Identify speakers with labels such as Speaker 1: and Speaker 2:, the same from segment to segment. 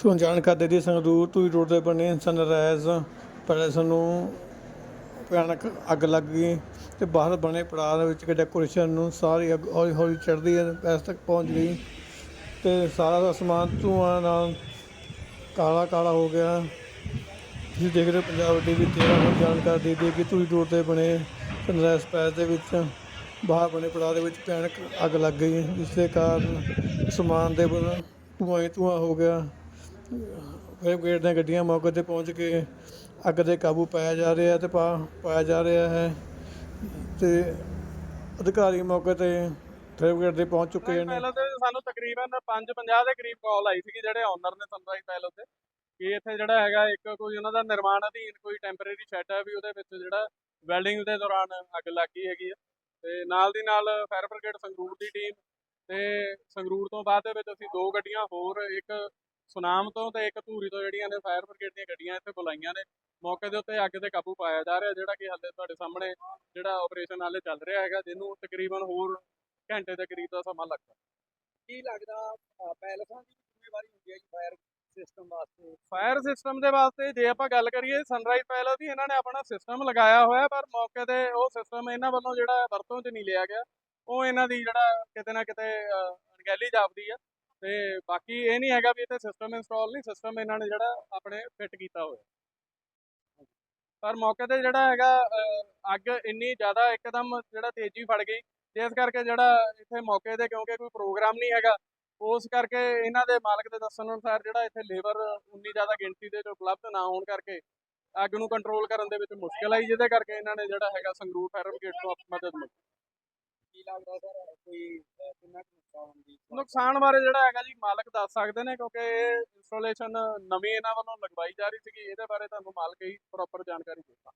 Speaker 1: ਤੁਹਾਨੂੰ ਜਾਣਕਾਰੀ ਦੇ ਦਈਏ, ਸੰਗਰੂਰ ਧੂਰੀ ਰੋਡ 'ਤੇ ਬਣੇ ਸਨਰਾਈਜ਼ ਪੈਲੇਸ ਨੂੰ ਭਿਆਨਕ ਅੱਗ ਲੱਗ ਗਈ ਅਤੇ ਬਾਹਰ ਬਣੇ ਪੜਾਅ ਦੇ ਵਿੱਚ ਡੈਕੋਰੇਸ਼ਨ ਨੂੰ ਸਾਰੀ ਅੱਗ ਹੌਲੀ ਹੌਲੀ ਚੜ੍ਹਦੀ ਹੈ, ਪੈਸ ਤੱਕ ਪਹੁੰਚ ਗਈ ਅਤੇ ਸਾਰਾ ਦਾ ਸਮਾਨ ਧੂੰਆਂ ਨਾਲ ਕਾਲਾ ਕਾਲਾ ਹੋ ਗਿਆ। ਤੁਸੀਂ ਦੇਖ ਰਹੇ ਹੋ ਪੰਜਾਬ ਟੀਵੀ 13 ਨੂੰ ਜਾਣਕਾਰੀ ਦੇ ਦਈਏ ਕਿ ਧੂਰੀ ਰੋਡ 'ਤੇ ਬਣੇ ਸਨਰਾਈਜ਼ ਪੈਲੇਸ ਦੇ ਵਿੱਚ ਬਾਹਰ ਬਣੇ ਪੜਾਅ ਦੇ ਵਿੱਚ ਭਿਆਨਕ ਅੱਗ ਲੱਗ ਗਈ, ਜਿਸ ਦੇ ਕਾਰਨ ਸਮਾਨ ਦੇ ਧੂੰਆਂ ਹੀ ਧੂੰਆਂ ਹੋ ਗਿਆ। ਫਾਇਰ ਬ੍ਰਿਗੇਡ ਦੀਆਂ ਗੱਡੀਆਂ ਮੌਕੇ 'ਤੇ ਪਹੁੰਚ ਕੇ ਅੱਗ 'ਤੇ ਕਾਬੂ ਪਾਇਆ ਜਾ ਰਿਹਾ ਅਤੇ ਪਾਇਆ ਜਾ ਰਿਹਾ ਹੈ ਅਤੇ ਅਧਿਕਾਰੀ ਮੌਕੇ 'ਤੇ ਫਾਇਰ ਬ੍ਰਿਗੇਡ ਦੇ ਪਹੁੰਚ ਚੁੱਕੇ ਨੇ।
Speaker 2: ਪਹਿਲਾਂ ਤੇ ਸਾਨੂੰ ਤਕਰੀਬਨ 5:50 ਦੇ ਕਰੀਬ ਕਾਲ ਆਈ ਸੀਗੀ ਜਿਹੜੇ ਓਨਰ ਨੇ ਸਨਰਾਈਜ਼ ਪੈਲੇਸ ਦੇ, ਕਿ ਇੱਥੇ ਜਿਹੜਾ ਹੈਗਾ ਇੱਕ ਕੋਈ ਉਹਨਾਂ ਦਾ ਨਿਰਮਾਣ ਅਧੀਨ ਕੋਈ ਟੈਂਪਰੇਰੀ ਸ਼ੈੱਡ ਹੈ ਵੀ ਉਹਦੇ ਵਿੱਚ ਜਿਹੜਾ ਵੈਲਡਿੰਗ ਦੇ ਦੌਰਾਨ ਅੱਗ ਲੱਗ ਗਈ ਹੈਗੀ ਆ, ਤੇ ਨਾਲ ਦੀ ਨਾਲ ਫਾਇਰ ਬ੍ਰਿਗੇਡ ਸੰਗਰੂਰ ਦੀ ਟੀਮ ਤੇ ਸੰਗਰੂਰ ਤੋਂ ਬਾਅਦ ਦੇ ਵਿੱਚ ਅਸੀਂ 2 ਗੱਡੀਆਂ ਹੋਰ, ਇੱਕ ਸੁਨਾਮ ਤੋਂ ਤੇ ਇੱਕ ਧੂਰੀ ਤੋਂ ਜਿਹੜੀਆਂ ਨੇ ਫਾਇਰ ਬ੍ਰਿਗੇਡ ਦੀਆਂ ਗੱਡੀਆਂ ਇੱਥੇ ਬੁਲਾਈਆਂ ਨੇ। ਮੌਕੇ ਦੇ ਉੱਤੇ ਅੱਗ ਤੇ ਕਾਬੂ ਪਾਇਆ ਜਾ ਰਿਹਾ, ਜਿਹੜਾ ਕਿ ਹਾਲੇ ਤੁਹਾਡੇ ਸਾਹਮਣੇ ਜਿਹੜਾ ਆਪਰੇਸ਼ਨ ਹਾਲੇ ਚੱਲ ਰਿਹਾ ਹੈਗਾ, ਜਿਹਨੂੰ ਤਕਰੀਬਨ ਹੋਰ ਘੰਟੇ ਦੇ ਕਰੀਬ ਦਾ ਸਮਾਂ ਲੱਗਦਾ।
Speaker 3: ਕੀ ਲੱਗਦਾ ਪੈਲਸਾਂ ਦੀ ਜ਼ਿੰਮੇਵਾਰੀ ਹੁੰਦੀ ਹੈ ਜੀ ਫਾਇਰ ਸਿਸਟਮ ਵਾਸਤੇ?
Speaker 2: ਫਾਇਰ ਸਿਸਟਮ ਦੇ ਵਾਸਤੇ ਜੇ ਆਪਾਂ ਗੱਲ ਕਰੀਏ, ਸਨਰਾਈਜ਼ ਪੈਲੇਸ ਦੀ ਇਹਨਾਂ ਨੇ ਆਪਣਾ ਸਿਸਟਮ ਲਗਾਇਆ ਹੋਇਆ, ਪਰ ਮੌਕੇ ਤੇ ਉਹ ਸਿਸਟਮ ਇਹਨਾਂ ਵੱਲੋਂ ਜਿਹੜਾ ਵਰਤੋਂ 'ਚ ਨਹੀਂ ਲਿਆ ਗਿਆ। ਉਹ ਇਹਨਾਂ ਦੀ ਜਿਹੜਾ ਕਿਤੇ ਨਾ ਕਿਤੇ ਅਣਗਹਿਲੀ ਜਾਪਦੀ ਆ, ਤੇ ਬਾਕੀ ਇਹ ਨਹੀਂ ਹੈਗਾ ਵੀ ਇੱਥੇ ਸਿਸਟਮ ਇੰਸਟਾਲ ਨਹੀਂ, ਸਿਸਟਮ ਇਹਨਾਂ ਨੇ ਜਿਹੜਾ ਆਪਣੇ ਫਿੱਟ ਕੀਤਾ ਹੋਇਆ। ਪਰ ਮੌਕੇ ਤੇ ਜਿਹੜਾ ਹੈਗਾ ਅੱਗ ਇੰਨੀ ਜ਼ਿਆਦਾ ਇੱਕਦਮ ਜਿਹੜਾ ਤੇਜ਼ੀ ਫੜ ਗਈ, ਜਿਸ ਕਰਕੇ ਜਿਹੜਾ ਇੱਥੇ ਮੌਕੇ ਤੇ ਕਿਉਂਕਿ ਕੋਈ ਪ੍ਰੋਗਰਾਮ ਨਹੀਂ ਹੈਗਾ, ਉਸ ਕਰਕੇ ਇਹਨਾਂ ਦੇ ਮਾਲਕ ਦੇ ਦੱਸਣ ਅਨੁਸਾਰ ਜਿਹੜਾ ਇੱਥੇ ਲੇਬਰ ਉਨੀ ਜ਼ਿਆਦਾ ਗਿਣਤੀ ਦੇ ਉਪਲਬਧ ਨਾ ਹੋਣ ਕਰਕੇ ਅੱਗ ਨੂੰ ਕੰਟਰੋਲ ਕਰਨ ਦੇ ਵਿੱਚ ਮੁਸ਼ਕਲ ਆਈ, ਜਿਹਦੇ ਕਰਕੇ ਇਹਨਾਂ ਨੇ ਜਿਹੜਾ ਹੈਗਾ ਸੰਗਰੂਰ ਫਾਇਰ ਬ੍ਰਿਗੇਡ ਤੋਂ ਮਦਦ ਮੰਗੀ।
Speaker 3: ਕੀ ਲੱਗਦਾ ਸਰ ਕੋਈ ਕਿੰਨਾ ਨੁਕਸਾਨ ਹੁੰਦੀ?
Speaker 2: ਨੁਕਸਾਨ ਬਾਰੇ ਜਿਹੜਾ ਹੈਗਾ ਜੀ ਮਾਲਕ ਦੱਸ ਸਕਦੇ ਨੇ, ਕਿਉਂਕਿ ਇਹ ਇੰਸਟਾਲੇਸ਼ਨ ਨਵੀਂ ਇਹਨਾਂ ਵੱਲੋਂ ਲਗਵਾਈ ਜਾ ਰਹੀ ਸੀਗੀ। ਇਹਦੇ ਬਾਰੇ ਤੁਹਾਨੂੰ ਮਾਲਕ ਹੀ ਪ੍ਰੋਪਰ ਜਾਣਕਾਰੀ ਦੇਗਾ।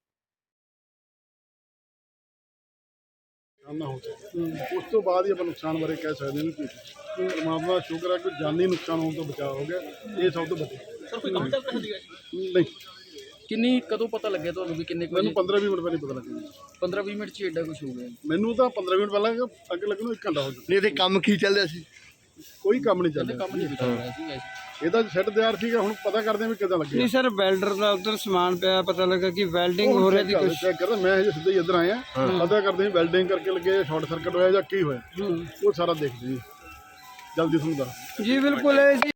Speaker 4: ਨਾ ਹੋ ਸਕੇ ਉਸ ਤੋਂ ਬਾਅਦ ਹੀ ਆਪਾਂ ਨੁਕਸਾਨ ਬਾਰੇ ਕਹਿ ਸਕਦੇ ਹਾਂ ਕਿ ਪਰਮਾਤਮਾ ਦਾ ਸ਼ੁਕਰ ਹੈ ਕਿ ਜਾਨੀ ਨੁਕਸਾਨ ਹੋਣ ਤੋਂ ਬਚਾਅ ਹੋ ਗਿਆ, ਇਹ ਸਭ ਤੋਂ ਵੱਡੀ।
Speaker 3: ਸਰ ਕੋਈ ਕੰਮ ਚੱਲ ਰਿਹਾ ਸੀਗਾ?
Speaker 4: ਨਹੀਂ,
Speaker 3: ਕਿੰਨੀ ਕਦੋਂ ਪਤਾ ਲੱਗਿਆ ਤੁਹਾਨੂੰ ਵੀ ਕਿੰਨੇ
Speaker 4: ਮੈਨੂੰ 15-20 ਮਿੰਟ ਪਹਿਲਾਂ ਪਤਾ ਲੱਗਿਆ।
Speaker 3: 15-20 ਮਿੰਟ 'ਚ ਐਡਾ ਕੁਝ ਹੋ ਗਿਆ?
Speaker 4: ਮੈਨੂੰ ਤਾਂ 15 ਮਿੰਟ ਪਹਿਲਾਂ ਅੱਗ ਲੱਗਣ ਨੂੰ 1 ਘੰਟਾ ਹੋ ਚੁੱਕਾ।
Speaker 5: ਨਹੀਂ ਤੇ ਕੰਮ ਕੀ ਚੱਲ ਰਿਹਾ ਸੀ?
Speaker 4: ਕੋਈ ਕੰਮ ਨਹੀਂ ਚੱਲ
Speaker 3: ਕਹਿੰਦੇ
Speaker 4: ਰਿਹਾ,
Speaker 3: ਕੰਮ ਨਹੀਂ ਚੱਲ ਰਿਹਾ ਸੀ ਵੈਸੇ।
Speaker 4: ਇਹਦਾ ਸ਼ੈੱਡ ਤਿਆਰ ਸੀਗਾ, ਹੁਣ ਪਤਾ ਕਰਦੇ ਹਾਂ ਵੀ ਕਿੱਦਾਂ ਲੱਗਿਆ।
Speaker 6: ਨਹੀਂ ਸਰ, ਵੈਲਡਰ ਦਾ ਉਧਰ ਸਮਾਨ ਪਿਆ, ਪਤਾ ਲੱਗਾ ਕਿ ਵੈਲਡਿੰਗ ਹੋ ਰਹੀ ਸੀ ਕੁਝ।
Speaker 4: ਚੈੱਕ ਕਰਦਾ ਮੈਂ ਹਜੇ ਸਿੱਧਾ ਹੀ ਇੱਧਰ ਆਇਆ, ਪਤਾ ਕਰਦੇ ਹਾਂ ਵੈਲਡਿੰਗ ਕਰਕੇ ਲੱਗੇ, ਸ਼ਾਰਟ ਸਰਕਟ ਹੋਇਆ ਜਾਂ ਕੀ ਹੋਇਆ, ਉਹ ਸਾਰਾ ਦੇਖਦੇ ਜੀ, ਜਲਦੀ ਤੁਹਾਨੂੰ ਦੱਸ।
Speaker 6: ਜੀ ਬਿਲਕੁਲ ਇਹ ਜੀ